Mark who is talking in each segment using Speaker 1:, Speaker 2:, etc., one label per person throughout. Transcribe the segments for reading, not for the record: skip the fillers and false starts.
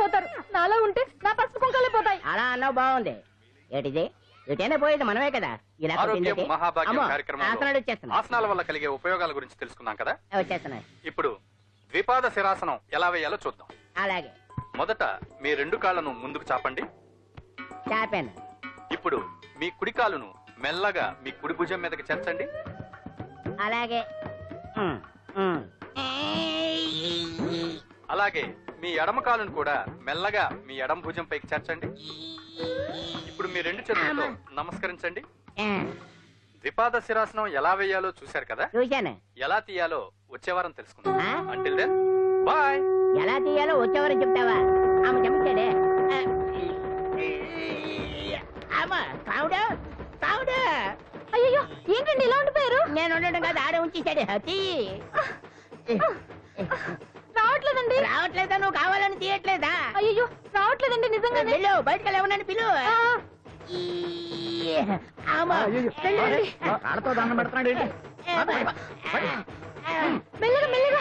Speaker 1: పోతారు. నాలో ఉంటే నా పసుపు కుంకాలే పోతాయి.
Speaker 2: అలా అన్నావు బాగుంది. ఏటిది ఎటైనా పోయేది మనమే కదా. ఇలా
Speaker 3: ఆసనాల వల్ల కలిగే ఉపయోగాల గురించి తెలుసుకున్నాం కదా.
Speaker 2: వచ్చేస్తున్నాయి.
Speaker 3: ఇప్పుడు ద్విపాద శిరాసనం ఎలా వేయాలో చూద్దాం.
Speaker 2: అలాగే.
Speaker 3: మొదట మీ 2 కాళ్ళను ముందుకు చాపండి.
Speaker 2: చాపాను.
Speaker 3: ఇప్పుడు మీ కుడి కాలును మెల్లగా మీ కుడి భుజం మీదకి చేర్చండి.
Speaker 2: అలాగే.
Speaker 3: అలాగే మీ ఎడమ కాలును కూడా మెల్లగా మీ ఎడమ భుజం పైకి చేర్చండి. ఇప్పుడు మీ 2 చేతులతో నమస్కరించండి. ద్విపాద శిరాసనం ఎలా వేయాలో చూశారు కదా.
Speaker 2: చూశాను.
Speaker 3: ఎలా తీయాలో వచ్చే వారం తెలుసుకుందాం. Until then bye.
Speaker 2: ఎలా తీయాలో వచ్చే వారం చెప్తావా? ఆమె చెప్తాడే.
Speaker 1: అయ్యో ఏంటండి ఇలా ఉండిపోయారు?
Speaker 2: నేను ఉండడం కాదు, ఆడే ఉంచేసాడు.
Speaker 1: రావట్లేదండి.
Speaker 2: రావట్లేదా? నువ్వు కావాలని తీయట్లేదా?
Speaker 1: అయ్యో రావట్లేదండి నిజంగా.
Speaker 2: వెళ్ళు, బయటకు వెళ్ళవనని పిలు.
Speaker 4: కాళ్ళతో దండం పెడుతున్నాడు.
Speaker 1: మెల్లగా మెల్లగా.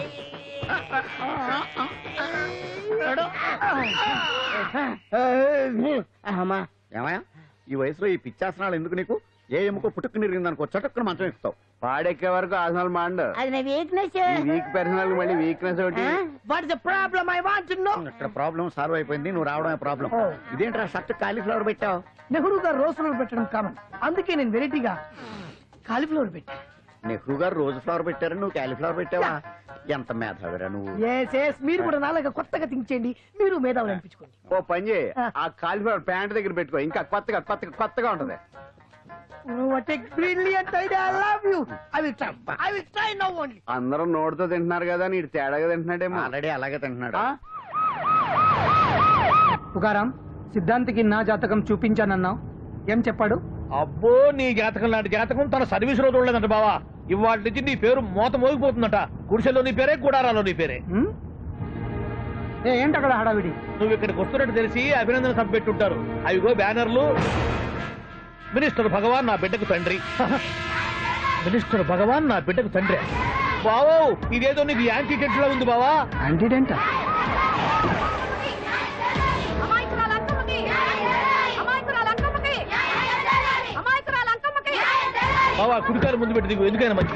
Speaker 4: ఏమయ్యా, ఈ వయసులో ఈ పిచ్చాసనాలు ఎందుకు నీకు? ఏ ఎముకో పుట్టుకు నిరిగిందనుకో చటుక్కున మంచం ఎక్కుతావు. పాడెక్కే వరకు ఆసనాలు మాండు.
Speaker 2: అది నా వీక్నెస్.
Speaker 4: వీక్ పర్సనల్ మళ్ళీ వీక్నెస్ ఒకటి.
Speaker 2: What is the problem? I want to know.
Speaker 4: ఇక్కడ ప్రాబ్లం సాల్వ్ అయిపోయింది, నువ్వు రావడమే ప్రాబ్లం. ఇదేంట్రా షర్ట్ కాలీఫ్లవర్ పెట్టావు?
Speaker 5: నెహ్రూ గారు రోజ్ ఫ్లవర్ పెట్టడం కామన్, అందుకే నేను వెరైటీగా కాలీఫ్లవర్ పెట్టా.
Speaker 4: నెహ్రూ గారు రోజు ఫ్లవర్ పెట్టారు, నువ్వు కాలీఫ్లవర్ పెట్టావా? ఎంత మేధావిరా నువ్వు.
Speaker 5: మీరు కూడా నాలాగా కొత్తగా థింక్ చేయండి, మీరు మేధావులు అనిపించుకోండి.
Speaker 4: ఓ పని చేయి, ఆ కాలీఫ్లవర్ ప్యాంట్ దగ్గర పెట్టుకో, ఇంకా కొత్తగా ఉంటది. అందరూ నోటితో తింటున్నారు కదా, నీడు తేడాగా తింటున్నాడేమో. ఆల్రెడీ అలాగే తింటున్నాడు.
Speaker 5: పుకారాం, సిద్ధాంతికి నా జాతకం చూపించానన్నావు, ఏం చెప్పాడు?
Speaker 6: అబ్బో, నీ జాతకం లాంటి జాతకం తన సర్వీస్ లో చూడలేదంట బావా. ఇవాళ నుంచి నీ పేరు మోత మోగిపోతుందట. గుడిసెలో నీ పేరే, గుడారాలో నీ పేరే.
Speaker 5: ఏంటి అక్కడ హడావిడి?
Speaker 6: నువ్వు ఇక్కడికి వస్తున్నట్టు తెలిసి అభినందన సభ పెట్టుంటారు. అవిగో బ్యానర్లు. మినిస్టర్ భగవాన్ నా బిడ్డకు తండ్రి. మినిస్టర్ భగవాన్ నా బిడ్డకు తండ్రి. బావో, ఇదేదో నీకు యాంటీడెంట్ లా ఉంది బావా.
Speaker 5: యాంటీడెంట్?
Speaker 6: బావా, కుడికారు ముందు పెట్టి దిగు, ఎందుకైనా మంచిది.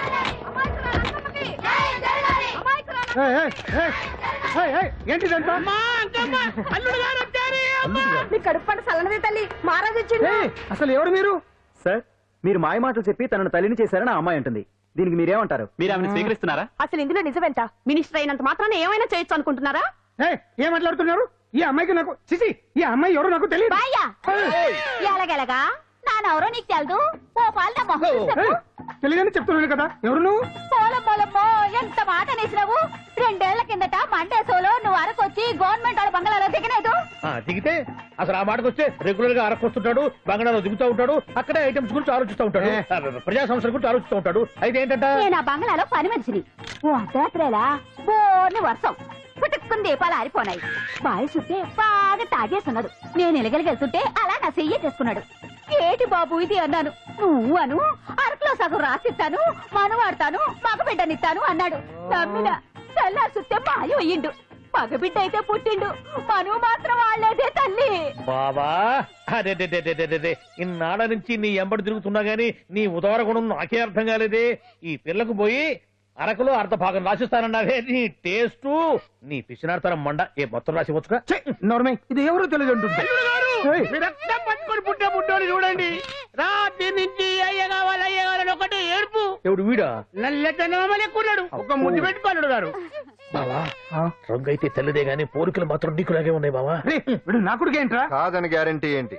Speaker 5: అసలు ఎవరు మీరు?
Speaker 7: సార్, మీరు మాయ మాటలు చెప్పి తనను తల్లిని చేశారని ఆ అమ్మాయి అంటుంది. దీనికి మీరేమంటారు? మీరు ఆమెను స్వీకరిస్తున్నారా?
Speaker 1: అసలు ఇందులో నిజమేంట? మినిస్టర్ అయినంత మాత్రాన్ని ఏమైనా చేయొచ్చు అనుకుంటున్నారా?
Speaker 5: ఏం మాట్లాడుతున్నారు? ఈ అమ్మాయికి నాకు చిసి, ఈ అమ్మాయి ఎవరో నాకు తెలియదు.
Speaker 1: ఎలాగెలగా నానెవరో నీకు తెలదు. ఓ పాలు
Speaker 5: తెలియదని చెప్తున్నాను కదా, ఎవరు నువ్వు?
Speaker 1: పోలమ్మో, ఎంత మాట అనేసినావు. 2 ఏళ్ల కిందట మండే సోలో నువ్వు అరకొచ్చి గవర్నమెంట్ వాళ్ళ బంగాళాలో దిగలేదు.
Speaker 6: దిగితే అసలు ఆ మాటకు వస్తే రెగ్యులర్ గా అరకొస్తుంటాడు, బంగాళాలో దిగుతూ ఉంటాడు, అక్కడే ఐటమ్స్ గురించి ఆలోచిస్తూ ఉంటాడు, ప్రజా సంస్థల గురించి ఆలోచిస్తూ ఉంటాడు. అయితే ఏంటంటే
Speaker 1: నేను ఆ బంగాళాలో పని మనిషిని. ఓ అర్ధరాత్రేలా బోర్ని వర్షం పుట్టుకుని దీపాలు ఆరిపోనాయి. బావి చుట్టే బాగా తాగేస్తున్నాడు. నేను ఎలగలిగెళ్తుంటే అలా నా చెయ్యి చేసుకున్నాడు. ఏటి బాబు ఇది అన్నాను. నువ్వు అను, అరకులో సగం రాసిస్తాను, మనవాడతాను, మగబిడ్డనిస్తాను అన్నాడు. నమ్మిన తెల్లారి చూస్తే మాయం అయ్యిండు. మగబిడ్డ అయితే పుట్టిండు, మనువు మాత్రం వాళ్లేదే తల్లి.
Speaker 6: బాబా, అదే ఇన్నాళ్ళ నుంచి నీ ఎంబడి తిరుగుతున్నా గానీ నీ ఉదార గుణం నాకే అర్థం కాలేదే. ఈ పిల్లకు పోయి అరకులో అర్ధ భాగం రాసిస్తానన్నావే. నీ టేస్ట్, నీ పిచ్చినాడతనం మండ. ఏ మొత్తం రాసి వచ్చుగా.
Speaker 5: ఇది ఎవరో తెలియదు అంటుంది.
Speaker 6: పుట్టే పుట్టోని చూడండి, రాత్రి నుంచి అయ్య కావాలని ఒకటి ఏడుపు. ఎవడు వీడా? నల్లెక్కున్నాడు, ఒక ముద్దు పెట్టుకున్నాడు గారు. బావా, రంగు అయితే తెల్లదే గానీ పోలికలు మాత్రం నీకులాగే ఉన్నాయి బావా.
Speaker 5: నా కొడుకు ఏంట్రా?
Speaker 8: కాదని గ్యారంటీ ఏంటి?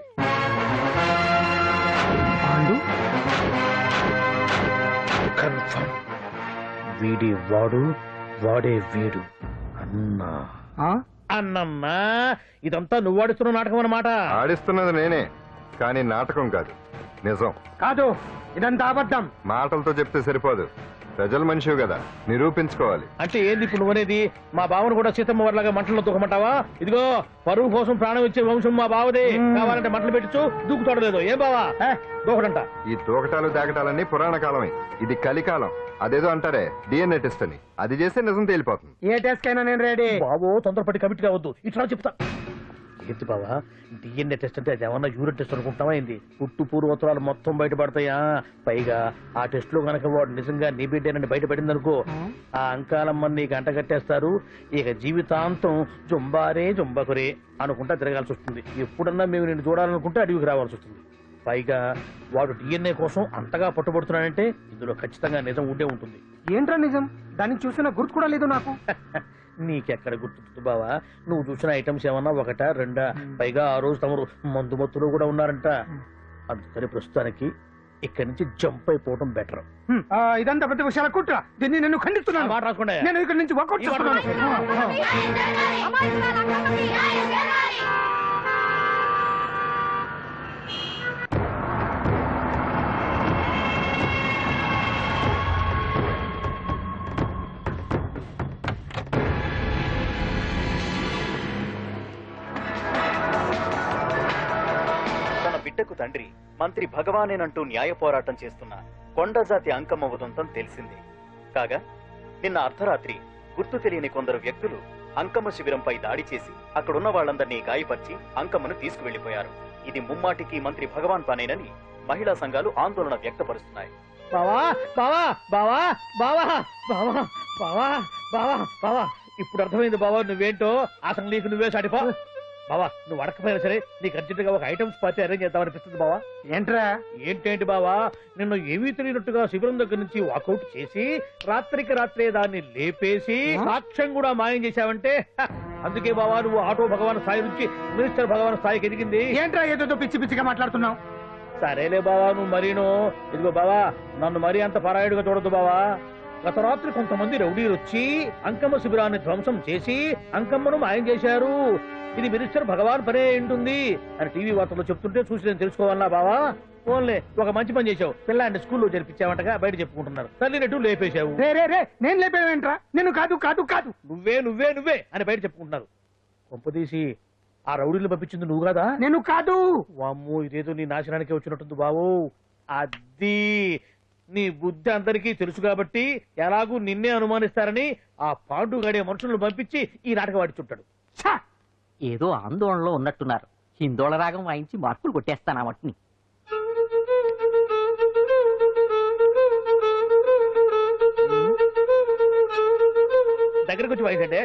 Speaker 6: కన్ఫర్మ్, వీడి వాడు, వాడే వీడు. అన్నా అన్నమ్మా, ఇదంతా నువ్వు ఆడిస్తున్న నాటకం అన్నమాట.
Speaker 8: ఆడిస్తున్నది నేనే, కానీ నాటకం కాదు, నిజం
Speaker 5: కాదు. ఇదంతా అబద్ధం.
Speaker 8: మాటలతో చెప్తే సరిపోదు, ప్రజల మనిషివి కదా, నిరూపించుకోవాలి.
Speaker 6: అంటే ఏంది ఇప్పుడు నువ్వనేది? మా బావను కూడా సీతమ్మ వారిలాగా మంటల్లో దూకమంటావా? ఇదిగో పరువు కోసం ప్రాణం ఇచ్చే వంశం మా బావదే. కావాలంటే మంటలు పెట్టచ్చు, దూకుతాడలేదు. ఏం బావా దూకడంట?
Speaker 8: ఈ తూకటాలు దాకటాలన్నీ పురాణ కాలమే, ఇది కలికాలం. అదేదో అంటారే డిఎన్ఏ టెస్ట్ అని, అది చేస్తే నిజం తేలిపోతుంది.
Speaker 5: ఏ టెస్ట్ కైనా నేను రెడీ.
Speaker 6: బాబో తొందరపడి కమిట్ కావద్దు, ఇట్లా చెప్తా. ఏంటి బావా డిఎన్ఏ టెస్ట్ అంటే అది ఏమన్నా యూరిన్ టెస్ట్ అనుకుంటావా ఏంది? పుట్టు పూర్వోత్తరాలు మొత్తం బయటపడతాయా? పైగా ఆ టెస్ట్ లో గనక వాడు నిజంగా నీ బిడ్డేనని బయటపడింది అనుకో, ఆ అంకాలమ్మని నీకు అంట కట్టేస్తారు. ఇక జీవితాంతం జుంబారే జుంబకురే అనుకుంటా తిరగాల్సి వస్తుంది. ఎప్పుడన్నా మేము నిన్ను చూడాలనుకుంటే అడవికి రావాల్సి వస్తుంది. పైగా వాడు డిఎన్ఏ కోసం అంతగా పట్టుబడుతున్నాడంటే ఇందులో ఖచ్చితంగా నిజం ఉండే ఉంటుంది.
Speaker 5: ఏంట్రా నిజం? దాన్ని చూసిన గుర్తు కూడా లేదు నాకు.
Speaker 6: నీకెక్కడ గుర్తుంది బావా? నువ్వు చూసిన ఐటమ్స్ ఏమన్నా ఒకటా రెండా? పైగా ఆ రోజు తమరు మందు మత్తులో కూడా ఉన్నారంట. అందుకని ప్రస్తుతానికి ఇక్కడి నుంచి జంప్ అయిపోవడం బెటర్.
Speaker 5: ఇదంతా పెద్ద విషయాల కుట్ర. దీన్ని నేను ఖండిస్తున్నాను.
Speaker 6: మాట రాకుండా
Speaker 5: నేను ఇక్కడి నుంచి వర్కౌట్ చేస్తున్నాను.
Speaker 7: బిడ్డకు తండ్రి మంత్రి భగవానేనంటూ న్యాయ పోరాటం చేస్తున్న కొండజాతి అంకమ్మ ఉదంతం తెలిసింది. కాగా నిన్న అర్ధరాత్రి గుర్తు తెలియని కొందరు వ్యక్తులు అంకమ్మ శిబిరంపై దాడి చేసి అక్కడున్న వాళ్లందరినీ గాయపరిచి అంకమ్మను తీసుకువెళ్లిపోయారు. ఇది ముమ్మాటికి మంత్రి భగవాన్ పనేనని మహిళా సంఘాలు ఆందోళన వ్యక్తపరుస్తున్నాయి.
Speaker 6: బావా బావా బావా బావా బావా బావా బావా బావా ఇప్పుడు అర్థమైంది బావా నువ్వేంటో. అసలు నీకు నువ్వే సాటిపో బావా. నువ్వు అడకపోయినా సరే నీకు అర్జెంటుగా ఒక ఐటమ్స్ పార్టీ అరేంజ్ చేద్దామనిపిస్తుంది బావా.
Speaker 5: ఏంట్రా?
Speaker 6: ఏంటేంటి బావా, నిన్ను ఏమీ తెలియనట్టుగా శిబిరం దగ్గర నుంచి వాకౌట్ చేసి రాత్రికి రాత్రే దాన్ని లేపేసి సాక్ష్యం కూడా మాయం చేశావంటే అందుకే బావా నువ్వు ఆటో భగవాన్ స్థాయి నుంచి మినిస్టర్ భగవాన్ స్థాయికి ఎదిగింది.
Speaker 5: ఏంట్రా ఏదో పిచ్చి పిచ్చిగా మాట్లాడుతున్నావు?
Speaker 6: సరేలే బావా నువ్వు మరీను. ఇదిగో బావా నన్ను మరీ అంత పరాయుడుగా చూడద్దు బావా. గత రాత్రి కొంతమంది రౌడీలు వచ్చి అంకమ్మ శిబిరాన్ని ధ్వంసం చేసి అంకమ్మను మాయం చేశారు. ఇది మినిస్టర్ భగవాన్ పనే ఉంటుంది అని టీవీ వార్తల్లో చెప్తుంటే చూసి నేను తెలుసుకోవాలా బావా? ఓన్లే ఒక మంచి పని చేశావు, పిల్లాన్ని స్కూల్లో జరిపించావంటగా బయట చెప్పుకుంటున్నారు. తల్లినట్టు లేపేశావు.
Speaker 5: నేను లేపేవేంట్రా? నేను కాదు కాదు కాదు
Speaker 6: నువ్వే నువ్వే నువ్వే అని బయట చెప్పుకుంటున్నారు. కొంపదీసి ఆ రౌడీలు పంపించింది నువ్వు కాదా?
Speaker 5: నేను కాదు.
Speaker 6: వామ్మో ఇదేదో నీ నాశనానికి వచ్చినట్టుంది బావు. అది నీ బుద్ధి అందరికీ తెలుసు కాబట్టి ఎలాగూ నిన్నే అనుమానిస్తారని ఆ పాండు గడే మనుషులను పంపించి ఈ నాటకం ఆడిచుంటాడు.
Speaker 2: ఏదో ఆందోళనలో ఉన్నట్టున్నారు. హిందోళ రాగం వాయించి మార్కులు కొట్టేస్తాను ఆ మట్టిని.
Speaker 6: దగ్గరకు వచ్చి వాయించండి.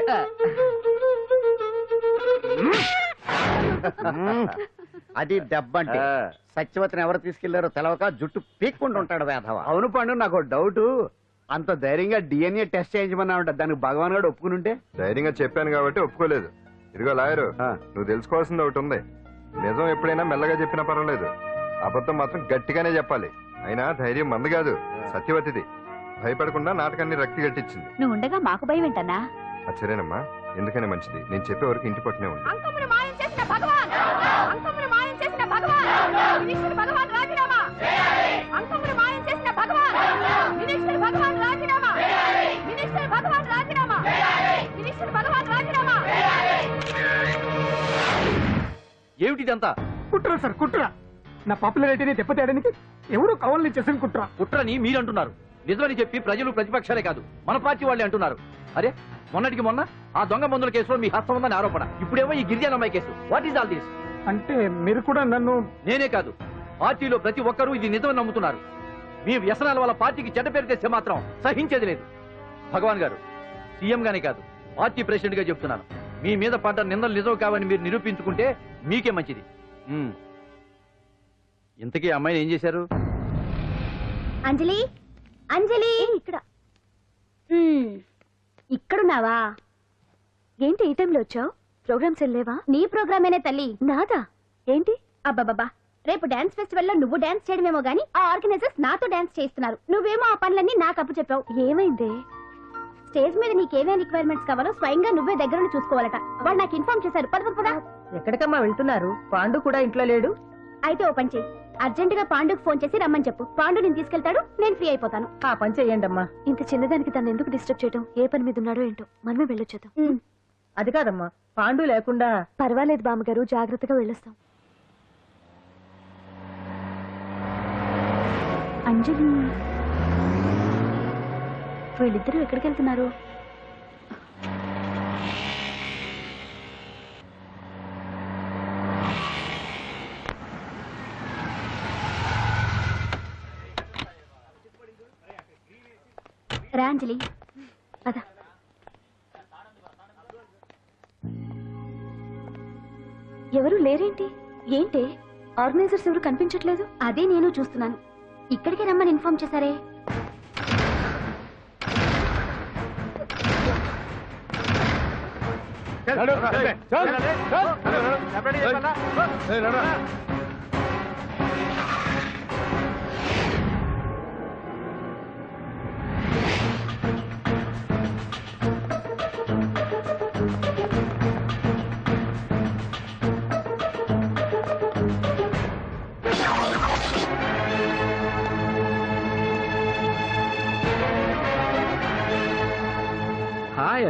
Speaker 4: అది దెబ్బంటే. సత్యవతిని ఎవరు తీసుకెళ్లారో తెలవక జుట్టు పీక్కుంటూ ఉంటాడు వేధవ.
Speaker 7: అవును పండు, నాకు డౌట్. అంత ధైర్యంగా డిఎన్ఏ టెస్ట్ చేయించమన్నా ఉంటా, దానికి భగవాన్ గారు ఒప్పుకుని ఉంటే?
Speaker 8: ధైర్యంగా చెప్పాను కాబట్టి ఒప్పుకోలేదు. ఇదిగో లాయరు, నువ్వు తెలుసుకోవాల్సింది ఒకటి ఉంది. నిజం ఎప్పుడైనా మెల్లగా చెప్పినా పర్వాలేదు, అబద్ధం మాత్రం గట్టిగానే చెప్పాలి. అయినా ధైర్యం మంది కాదు, సత్యవతిది. భయపడకుండా నాటకాన్ని రక్తి గట్టించింది.
Speaker 1: నువ్వు ఉండగా మాకు భయం ఏంటన్నా?
Speaker 8: సరేనమ్మా, ఎందుకనే మంచిది. నేను చెప్పే వరకు ఇంటి పట్టునే ఉంది.
Speaker 1: అంకమ్మను మాయం చేసిన భగవాన్, అంకమ్మను మాయం చేసిన భగవాన్, మినిస్టర్ భగవాన్ రాజీనామా. అంకమ్మను మాయం చేసిన భగవాన్, మినిస్టర్ భగవాన్ రాజీనామా. మినిస్టర్ భగవాన్ రాజీనామా. మినిస్టర్ భగవాన్ రాజీనామా.
Speaker 7: ఏమిటిదంతా?
Speaker 5: కుట్ర సార్ కుట్ర. నా పాపులారిటీని దెబ్బతేయడానికి ఎవరు కావాలని చేసిన కుట్ర.
Speaker 7: కుట్రని మీరంటున్నారు. నిజమని చెప్పి ప్రజలు ప్రతిపక్షాలే కాదు మన పార్టీ వాళ్ళే అంటున్నారు. అరే మొన్నటికి మొన్న ఆ దొంగ మందుల కేసులో మీ హస్తం ఉందని ఆరోపణ, ఇప్పుడేమో ఈ గిరిజన అమ్మాయి case. What is all this?
Speaker 5: అంటే మీరు కూడా నన్ను...
Speaker 7: నేనే కాదు, పార్టీలో ప్రతి ఒక్కరూ ఇది నిజమని నమ్ముతున్నారు. మీ వ్యసనాల వల్ల పార్టీకి చెడ్డ పేరు తెస్తే మాత్రం సహించేది లేదు. భగవాన్ గారు, సీఎం గానే కాదు పార్టీ ప్రెసిడెంట్ గా చెప్తున్నాను, మీ మీద పడ్డ నిందలు నిజం కావని మీరు నిరూపించుకుంటే మీకే మంచిది. ఇంతకీ అమ్మాయిని ఏం చేశారు?
Speaker 1: అంజలి, అంజలి ఇక్కడ. ఇక్కడున్నావా? ఏంటి ఈ టైంలో వచ్చావు? ప్రోగ్రామ్స్ వెళ్ళేవా? నీ ప్రోగ్రామేనే తల్లి. నాదా? ఏంటి? అబ్బాబాబా, రేపు డాన్స్ ఫెస్టివల్ లో నువ్వు డాన్స్ చేయడమేమో గానీ ఆ ఆర్గనైజర్స్ నాతో డాన్స్ చేస్తున్నారు. నువ్వేమో ఆ పనులన్నీ నాకు అప్పు చెప్పావు. ఏమైంది? స్టేజ్ మీద నీకేమేం రిక్వైర్మెంట్స్ కావాలో స్వయంగా నువ్వే దగ్గర చూసుకోవాలట. వాళ్ళు నాకు ఇన్ఫార్మ్ చేశారు. పద పద.
Speaker 9: ఎక్కడికమ్మా వెళ్తున్నారు? పాండు కూడా ఇంట్లో లేడు.
Speaker 1: అయితే ఓ పని చెయ్యి, అర్జెంట్ గా పాండుకు ఫోన్ చేసి రమ్మని చెప్పు. పాండు నేను తీసుకెళ్తాడు, నేను ఫ్రీ అయిపోతాను.
Speaker 5: ఆ పని చెయ్యండి అమ్మా.
Speaker 1: ఇంత చిన్నదానికి తను ఎందుకు డిస్టర్బ్ చేయడం? ఏ పని మీద ఉన్నాడో ఏంటో, మనమే వెళ్ళొచ్చేద్దాం.
Speaker 5: అది కాదమ్మా, పాండు లేకుండా.
Speaker 1: పర్వాలేదు బామ్మగారు, జాగ్రత్తగా వెళ్ళొస్తాం. అంజలి, వీళ్ళిద్దరూ ఎక్కడికి వెళ్తున్నారు? రా అంజలి, పద. ఎవరు లేరేంటి? ఏంటి ఆర్గనైజర్స్ ఎవరు కనిపించట్లేదు? అదే నేను చూస్తున్నాను. ఇక్కడికే రమ్మని ఇన్ఫార్మ్ చేశారే.
Speaker 6: చల్, చల్, చల్, చల్, చల్, చల్, చల్, చల్, చల్, చల్, చల్, చల్, చల్, చల్, చల్, చల్,